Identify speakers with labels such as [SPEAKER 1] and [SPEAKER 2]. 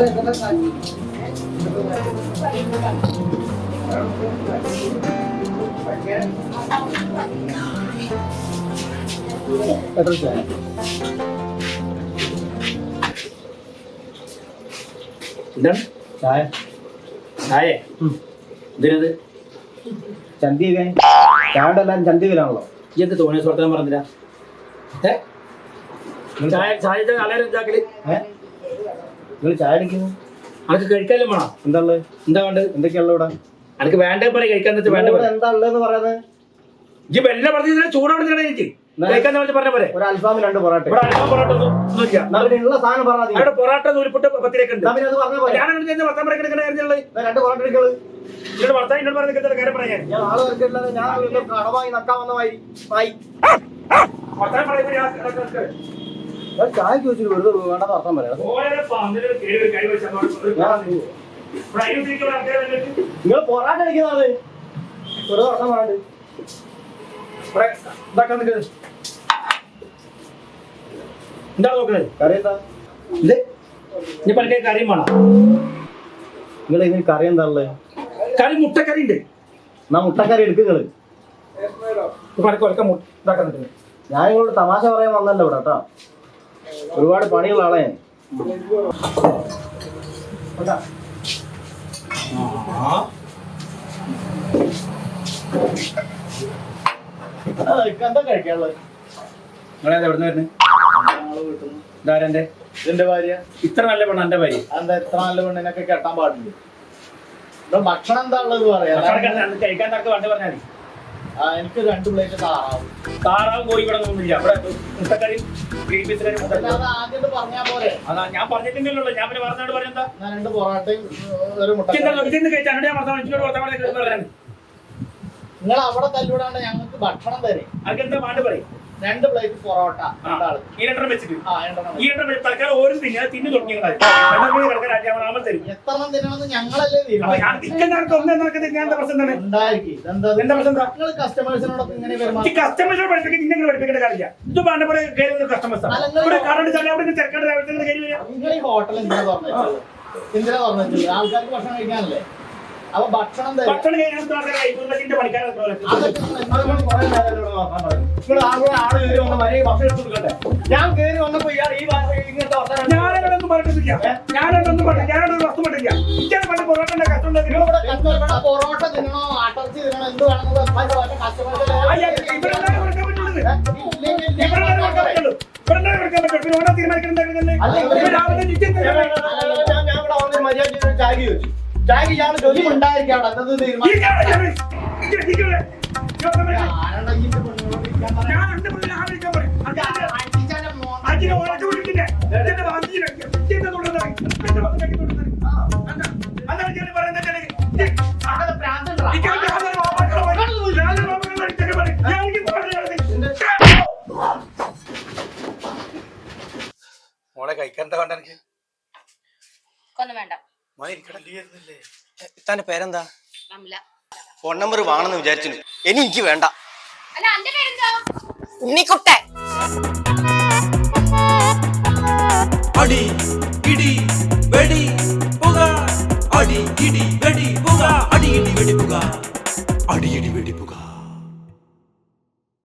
[SPEAKER 1] എന്താണ് ചായ? ചായേ ഇതിനത്
[SPEAKER 2] ചന്തി ചായയുടെ എല്ലാവരും ചന്തിയിലാണല്ലോ.
[SPEAKER 1] ഈ എന്ത് തോന്നിയ സുഹൃത്താൻ പറഞ്ഞില്ല? ചായ ചായ എല്ലാവരും എന്താക്കല്?
[SPEAKER 2] നിങ്ങൾ ചായ അടിക്കുന്നു?
[SPEAKER 1] അനക്ക് കഴിക്കാനും വേണം.
[SPEAKER 2] എന്താ ഉള്ളത്?
[SPEAKER 1] എന്താ വേണ്ടത്?
[SPEAKER 2] എന്തൊക്കെയുള്ള ഇവിടെ?
[SPEAKER 1] അനക്ക് വേണ്ടേ പറയും, കഴിക്കാൻ വേണ്ട.
[SPEAKER 2] എന്താ ഉള്ളതെന്ന് പറയുന്നത്?
[SPEAKER 1] ഈ വെല്ല പറഞ്ഞ ചൂടോടെ എനിക്ക് കഴിക്കാൻ പറഞ്ഞ പോലെ.
[SPEAKER 2] ഒരു അൽഫാം 2 പൊറോട്ട. ഉള്ള സാധനം പറഞ്ഞാൽ
[SPEAKER 1] അവിടെ പൊറോട്ട നൂലിപ്പൊട്ട് പത്തിരക്ക് ഉണ്ട്.
[SPEAKER 2] ഞാൻ 2 പൊറോട്ട എടുക്കള്.
[SPEAKER 1] ഭർത്താവ് എന്നോട് പറഞ്ഞ കാര്യം പറയാൻ
[SPEAKER 2] ഞാൻ ആള് വരക്കില്ലാതെ ഞാൻ കടമായി നക്കാൻ വന്ന മാതിരി ചായക്ക് വെച്ചിട്ട് വെറുതെ വേണ്ടെന്ന് അർത്ഥം പറയാം. നിങ്ങൾ പൊറാട്ട അടിക്കുന്നതാണ് വെറുതെ അർത്ഥം പറയാണ്ട്.
[SPEAKER 1] എന്താ നോക്കുന്നത്?
[SPEAKER 2] കറി എന്താ?
[SPEAKER 1] ഇനി പല കറിയും വേണം.
[SPEAKER 2] നിങ്ങൾ ഇതിന് കറി എന്താ ഉള്ളത്?
[SPEAKER 1] കറി മുട്ടക്കറി ഉണ്ട്.
[SPEAKER 2] എന്നാ മുട്ടക്കറി എടുക്കുകള്. ഞാൻ നിങ്ങളോട് തമാശ പറയാൻ വന്നല്ലോ ഇവിടെ കേട്ടോ. ഒരുപാട് പണിയുള്ള ആളെ ഞാൻ. എന്താ കഴിക്കാനുള്ളത്?
[SPEAKER 1] നിങ്ങളേതാ എവിടെ നിന്ന് വരുന്നത്? ഇതാരെന്റെ?
[SPEAKER 2] ഇതിന്റെ ഭാര്യ.
[SPEAKER 1] ഇത്ര നല്ല പെണ്ണ എന്റെ ഭാര്യ?
[SPEAKER 2] എന്താ ഇത്ര നല്ല പെണ്ണിനൊക്കെ കെട്ടാൻ പാടില്ല? ഭക്ഷണം എന്താ ഉള്ളത് പറയാ.
[SPEAKER 1] കഴിക്കാൻ തക്ക വണ്ടി പറഞ്ഞാൽ
[SPEAKER 2] എനിക്ക് 2 പ്ലേറ്റ് താറാവും.
[SPEAKER 1] താറാവും കോഴി ഇവിടെ ഒന്നുമില്ല. ഇവിടെ മുട്ടക്കറി ഗ്രീൻ പീസ് കറി.
[SPEAKER 2] ആദ്യം പറഞ്ഞാ പോലെ.
[SPEAKER 1] അതാ ഞാൻ പറഞ്ഞിട്ടുണ്ടല്ലോ. ഞാൻ പിന്നെ പറഞ്ഞോട് പറഞ്ഞെന്താ?
[SPEAKER 2] 2 പൊറോട്ടയും ഒരു മുട്ട.
[SPEAKER 1] ഇതിന്ന് കഴിച്ചാൽ ഞാൻ പറഞ്ഞു.
[SPEAKER 2] നിങ്ങൾ അവിടെ തല്ലൂടാണ്ട് ഞങ്ങൾക്ക് ഭക്ഷണം തരും.
[SPEAKER 1] അതൊക്കെ എന്താ പാട്ട് പറയും?
[SPEAKER 2] 2 പ്ലേറ്റ് പൊറോട്ട.
[SPEAKER 1] ഈ 2 വെച്ചിട്ട്
[SPEAKER 2] ഈ
[SPEAKER 1] 2 തൽക്കാലം ഓരോ തിന്നു തുടങ്ങി.
[SPEAKER 2] എത്ര തിന്നണമെന്ന് ഞങ്ങളല്ലേ നിങ്ങൾ കസ്റ്റമേഴ്സിനോടൊപ്പം ഇങ്ങനെ
[SPEAKER 1] കസ്റ്റമേഴ്സിനോട് പഠിപ്പിക്കേണ്ട കാര്യമില്ല. ഇത് വേണ്ട പോലെ കസ്റ്റമേഴ്സ്
[SPEAKER 2] നിങ്ങൾ ഈ ഹോട്ടൽ എന്തിനാ തുറന്നത്? എന്തിനാ തുറന്നത്? ആൾക്കാർക്ക് ഭക്ഷണം കഴിക്കാനല്ലേ? അപ്പൊ ഭക്ഷണം
[SPEAKER 1] ഭക്ഷണം
[SPEAKER 2] ഞാൻ കയറി വന്നപ്പോ ഇയാൾ ഈ ഇങ്ങനത്തെ
[SPEAKER 1] ഞാനൊന്നും പറഞ്ഞിട്ടില്ല. ഞാനൊന്നും ഞാനൊരു വസ്തു പറ്റില്ല. പൊറോട്ടന്റെ കഷ്ടം
[SPEAKER 2] പൊറോട്ട തിന്നണോ അട്ടർച്ചി തിന്നണോ എന്ത് വേണമെന്ന് ചായക്ക് ഇയാൾ ജോലി ഉണ്ടായിരിക്കാണ്.
[SPEAKER 1] മോളെ കഴിക്കാൻ എന്താ വേണ്ട? എനിക്ക്
[SPEAKER 3] വേണ്ട.
[SPEAKER 4] ഇത്താന്റെ പേരെന്താ? ഫോൺ നമ്പർ വാങ്ങണമെന്ന് വിചാരിച്ചു. എനിക്ക് വേണ്ട.
[SPEAKER 3] ഉണ്ണിക്കുട്ടൻ.
[SPEAKER 5] അടി ഇടി വെടി പുക, അടി ഇടി വെടി പുക, അടി ഇടി വെടി പുക, അടി ഇടി വെടി പുക.